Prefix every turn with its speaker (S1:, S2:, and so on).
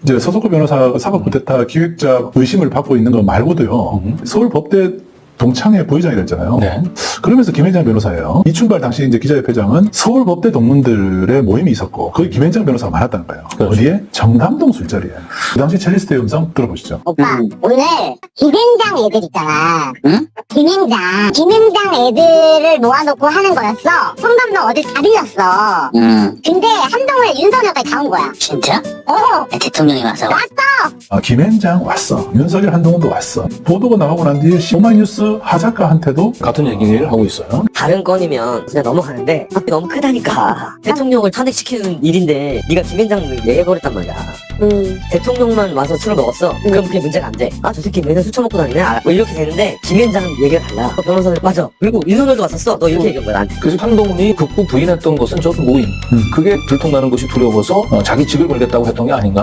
S1: 이제 서석구 변호사가 사법 쿠데타 기획자 의심을 받고 있는 거 말고도요. 서울법대 동창회 부회장이 됐잖아요.
S2: 네.
S1: 그러면서 김현장 변호사예요. 이춘발 당시 이제 기자협회장은 서울법대 동문들의 모임이 있었고 거기 김현장 변호사가 많았다는 거예요.
S2: 그렇죠.
S1: 어디에? 정담동 술자리에. 그 당시 첼리스트의 음성 들어보시죠.
S3: 오빠, 오늘 김현장 애들 있잖아.
S4: 응?
S3: 김현장 애들을 모아놓고 하는 거였어. 손감독 어딜 다 빌렸어. 근데 한동훈에 윤석열까지 다 온 거야.
S4: 진짜?
S3: 어,
S4: 대통령이 와서.
S1: 김현장 왔어. 윤석열 한동훈도 왔어. 보도가 나가고 난 뒤에 오마이뉴스 하작가한테도
S2: 같은 얘기를 하고 있어요.
S5: 다른 건이면 그냥 넘어가는데 너무 크다니까. 대통령을 탄핵시키는 일인데 네가 김현장 얘기해버렸단 말이야. 대통령만 와서 술을 먹었어. 그럼 그게 문제가 안 돼. 아, 저 새끼 맨날 술 처먹고 다니네. 뭐 이렇게 되는데 김현장 얘기가 달라. 변호사는 맞아. 그리고 윤석열도 왔었어. 너 이렇게 얘기한 거야 나한테.
S2: 그래서 한동훈이 극구 부인했던 것은 저도 모임. 그게 들통나는 것이 두려워서 자기 직을 걸겠다고 했던 게 아닌가.